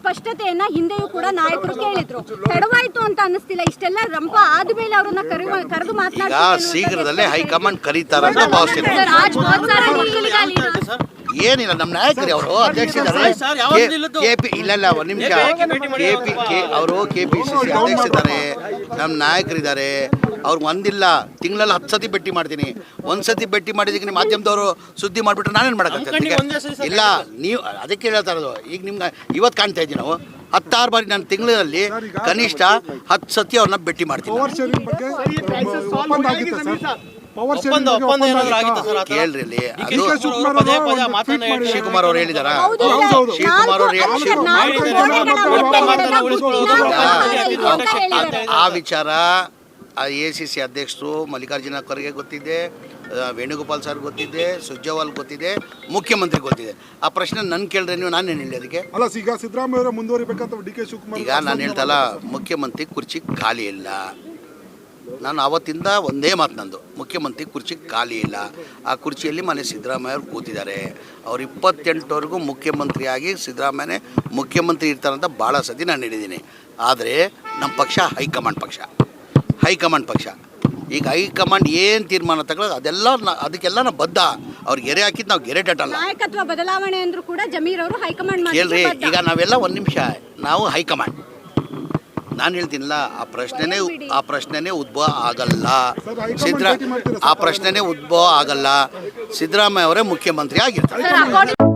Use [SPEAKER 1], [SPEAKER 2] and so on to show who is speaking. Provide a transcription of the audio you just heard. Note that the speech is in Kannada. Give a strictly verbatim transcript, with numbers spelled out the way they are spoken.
[SPEAKER 1] ಸ್ಪಷ್ಟತೆಯನ್ನ ಹಿಂದೆಯೂ ಕೂಡ ನಾಯಕರು ಕೇಳಿದ್ರು. ತಡವಾಯ್ತು ಅಂತ ಅನ್ನಿಸ್ತಿಲ್ಲ? ಇಷ್ಟೆಲ್ಲ ರಂಪ ಆದ್ಮೇಲೆ ಅವ್ರನ್ನ ಕರೆದು ಮಾತನಾಡಿ
[SPEAKER 2] ಶೀಘ್ರದಲ್ಲೇ ಹೈಕಮಾಂಡ್ ಕರೀತಾರ ಅಂತ ಭಾವಿಸ್ತೀನಿ. ಏನಿಲ್ಲ, ನಮ್ಮ ನಾಯಕರು ಅವರು ಅಧ್ಯಕ್ಷರಿದ್ದಾರೆ. ಕೆಪಿ ಇಲ್ಲ ಇಲ್ಲ ಒಂದು ನಿಮಿಷ ಕೆಪಿ ಕೆ ಅವರು ಕೆ ಪಿ ಸಿ ಸಿ ಅಧ್ಯಕ್ಷರಿದ್ದಾರೆ, ನಮ್ಮ ನಾಯಕರಿದ್ದಾರೆ. ಅವ್ರಿಗೆ ಒಂದಿಲ್ಲ, ತಿಂಗಳಲ್ಲಿ ಹತ್ತು ಸತಿ ಭೇಟಿ ಮಾಡ್ತೀನಿ. ಒಂದು ಸತಿ ಭೇಟಿ ಮಾಡಿದಕ್ಕೆ ಮಾಧ್ಯಮದವರು ಸುದ್ದಿ ಮಾಡಿಬಿಟ್ರೆ ನಾನೇನು ಮಾಡೋಕ್ಕಾಗ್ತದೆ? ಇಲ್ಲ, ನೀವು ಅದಕ್ಕೆ ಹೇಳ್ತಾ ಇರೋದು. ಈಗ ನಿಮ್ಗೆ ಇವತ್ತು ಕಾಣ್ತಾ ಇದ್ದೀವಿ ನಾವು ಹತ್ತಾರು ಬಾರಿ ನಾನು ತಿಂಗಳಲ್ಲಿ ಕನಿಷ್ಠ ಹತ್ತು ಸತಿ ಅವ್ರನ್ನ ಭೇಟಿ ಮಾಡ್ತೀನಿ. ಕೇಳ್ರಿ ಅಲ್ಲಿ, ಅದು ಶಿವಕುಮಾರ್ ಅವ್ರು ಹೇಳಿದಾರ. ಶಿವಕುಮಾರ್ ಅವ್ರು ಆ ವಿಚಾರ ಎ ಸಿ ಸಿ ಅಧ್ಯಕ್ಷರು ಮಲ್ಲಿಕಾರ್ಜುನ ಖರ್ಗೆ ಗೊತ್ತಿದೆ, ವೇಣುಗೋಪಾಲ್ ಸರ್ ಗೊತ್ತಿದೆ, ಸುರ್ಜೇವಾಲ್ ಗೊತ್ತಿದೆ, ಮುಖ್ಯಮಂತ್ರಿ ಗೊತ್ತಿದೆ. ಆ ಪ್ರಶ್ನೆ ನನ್ ಕೇಳ್ರೆ ನೀವು ನಾನೇನು ಹೇಳಿ ಅದಕ್ಕೆ?
[SPEAKER 3] ಅಲ್ಲ, ಈಗ ಸಿದ್ದರಾಮಯ್ಯ ಮುಂದುವರಿಬೇಕಂತ ಡಿ ಕೆ ಶಿವಕುಮಾರ್.
[SPEAKER 2] ಈಗ ನಾನು ಹೇಳ್ತಲ್ಲ, ಮುಖ್ಯಮಂತ್ರಿ ಕುರ್ಚಿ ಖಾಲಿ ಇಲ್ಲ. ನಾನು ಅವತ್ತಿಂದ ಒಂದೇ ಮಾತು ನಂದು, ಮುಖ್ಯಮಂತ್ರಿ ಕುರ್ಚಿ ಖಾಲಿ ಇಲ್ಲ. ಆ ಕುರ್ಚಿಯಲ್ಲಿ ಮನೆ ಸಿದ್ದರಾಮಯ್ಯ ಅವ್ರು ಕೂತಿದ್ದಾರೆ. ಅವ್ರು ಇಪ್ಪತ್ತೆಂಟವರೆಗೂ ಮುಖ್ಯಮಂತ್ರಿಯಾಗಿ ಸಿದ್ದರಾಮಯ್ಯನೇ ಮುಖ್ಯಮಂತ್ರಿ ಇರ್ತಾರಂತ ಭಾಳ ಸತಿ ನಾನು ಹೇಳಿದ್ದೀನಿ. ಆದರೆ ನಮ್ಮ ಪಕ್ಷ ಹೈಕಮಾಂಡ್ ಪಕ್ಷ ಹೈಕಮಾಂಡ್ ಪಕ್ಷ ಈಗ ಹೈಕಮಾಂಡ್ ಏನು ತೀರ್ಮಾನ ತಗೊಳ್ಳೋದು ಅದೆಲ್ಲ ಅದಕ್ಕೆಲ್ಲ ನಾವು ಬದ್ಧ. ಅವ್ರಿಗೆ ಗೆರೆ ಹಾಕಿದ್ದು ನಾವು ಗೆರೆ ಡಟ್ಟಲ್ಲ.
[SPEAKER 1] ನಾಯಕತ್ವ ಬದಲಾವಣೆ ಅಂದ್ರೂ ಕೂಡ ಜಮೀರ್ ಅವರು ಹೈಕಮಾಂಡ್
[SPEAKER 2] ಕೇಳ್ರಿ, ಈಗ ನಾವೆಲ್ಲ ಒಂದು ನಿಮಿಷ, ನಾವು ಹೈಕಮಾಂಡ್. ನಾನು ಹೇಳ್ತೀನಿಲ್ಲ, ಆ ಪ್ರಶ್ನೆನೇ ಆ ಪ್ರಶ್ನೆನೇ ಉದ್ಭವ ಆಗಲ್ಲ. ಸಿದ್ದರಾ ಆ ಪ್ರಶ್ನೆನೇ ಉದ್ಭವ ಆಗಲ್ಲ. ಸಿದ್ದರಾಮಯ್ಯ ಅವರೇ ಮುಖ್ಯಮಂತ್ರಿ ಆಗಿರ್ತಾರೆ.